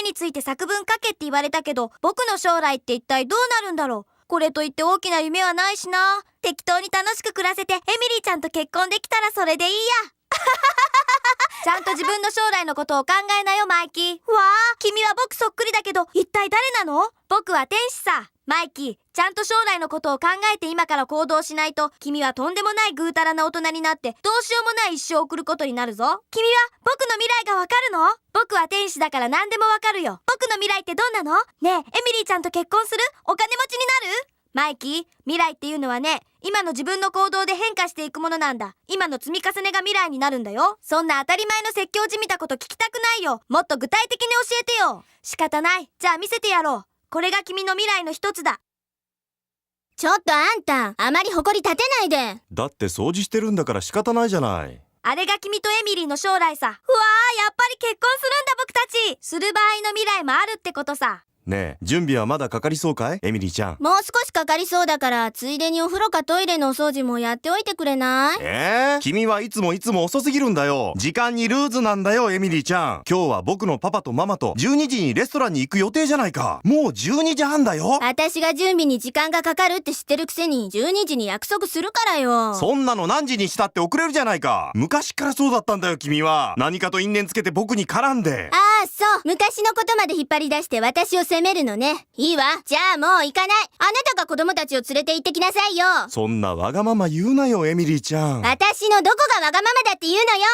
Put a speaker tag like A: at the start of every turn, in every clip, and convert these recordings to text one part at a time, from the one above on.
A: について作文書けって言われたけど、僕の将来って一体どうなるんだろう。これといって大きな夢はないしな。適当に楽しく暮らせてエミリーちゃんと結婚できたらそれでいいや。ちゃんと自分の将来のことを考えなよ、マイキー。わあ、君は僕そっくりだけど、一体誰なの？僕は天使さ。マイキー、ちゃんと将来のことを考えて今から行動しないと、君はとんでもないぐうたらな大人になって、どうしようもない一生を送ることになるぞ。君は僕の未来がわかるの？僕は天使だから何でもわかるよ。僕の未来ってどんなの？ねえ、エミリーちゃんと結婚する？お金持ちになる？マイキー、未来っていうのはね、今の自分の行動で変化していくものなんだ。今の積み重ねが未来になるんだよ。そんな当たり前の説教じみたこと聞きたくないよ。もっと具体的に教えてよ。仕方ない。じゃあ見せてやろう。これが君の未来の一つだ。
B: ちょっとあんた、あまり誇り立てないで。
C: だって掃除してるんだから仕方ないじゃない。
A: あれが君とエミリーの将来さ。うわー、やっぱり結婚するんだ僕たち。する場合の未来もあるってことさ。
C: ねえ、準備はまだかかりそうかい？エミリーちゃん。
B: もう少しかかりそうだから、ついでにお風呂かトイレのお掃除もやっておいてくれない？
C: 君はいつも遅すぎるんだよ。時間にルーズなんだよ、エミリーちゃん。今日は僕のパパとママと12時にレストランに行く予定じゃないか。もう12時半だよ。
B: 私が準備に時間がかかるって知ってるくせに12時に約束するからよ。
C: そんなの何時にしたって遅れるじゃないか。昔からそうだったんだよ、君は。何かと因縁つけて僕に絡んで。
B: ああ、そう。昔のことまで引っ張り出して私を責めるのね。いいわ。じゃあもう行かない。あなたが子供たちを連れて行ってきなさいよ。
C: そんなわがまま言うなよ、エミリーちゃん。
B: 私のどこがわがままだって言うのよ。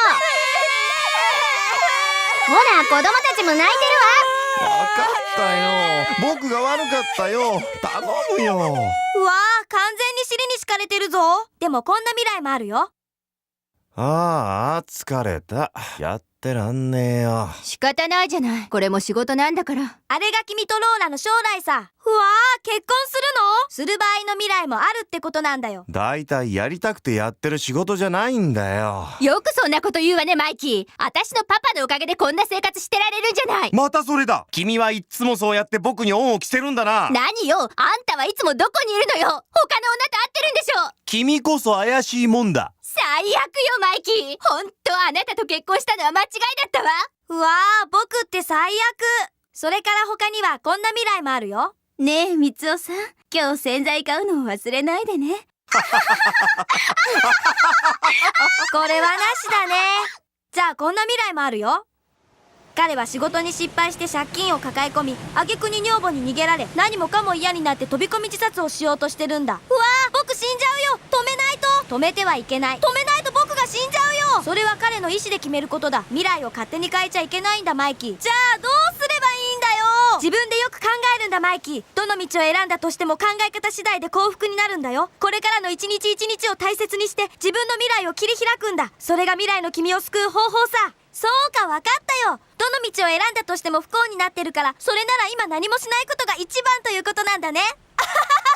B: ほら、子供たちも泣いてるわ。
C: わかったよ。僕が悪かったよ。頼むよ。
A: うわー、完全に尻に敷かれてるぞ。でもこんな未来もあるよ。
C: ああ、疲れた。やってらんねえよ。
B: 仕方ないじゃない。これも仕事なんだから。
A: あれが君とローラの将来さ。うわー、結婚するの？する場合の未来もあるってことなんだよ。
C: だいたいやりたくてやってる仕事じゃないんだよ。
B: よくそんなこと言うわね、マイキー。私のパパのおかげでこんな生活してられるんじゃない。
C: またそれだ。君はいっつもそうやって僕に恩を着せるんだな。
B: 何よ、あんたはいつもどこにいるのよ。他の女と会ってるんでしょ。
C: 君こそ怪しいもんだ。
B: 最悪よ、マイキー。ほんとあなたと結婚したのは間違いだったわ。
A: うわー、僕って最悪。それから他にはこんな未来もあるよ。
B: ねえ、みつおさん。今日洗剤買うのを忘れないでね。
A: これはなしだね。じゃあこんな未来もあるよ。彼は仕事に失敗して借金を抱え込み、挙句に女房に逃げられ、何もかも嫌になって飛び込み自殺をしようとしてるんだ。うわー、僕死んじゃうよ。止めないと。止めてはいけない。止めないと僕が死んじゃうよ。それは彼の意思で決めることだ。未来を勝手に変えちゃいけないんだ、マイキー。じゃあどうすればいいんだよ。自分でよく考えるんだ、マイキー。どの道を選んだとしても考え方次第で幸福になるんだよ。これからの一日一日を大切にして自分の未来を切り開くんだ。それが未来の君を救う方法さ。そうか、わかったよ。どの道を選んだとしても不幸になってるから、それなら今何もしないことが一番ということなんだね。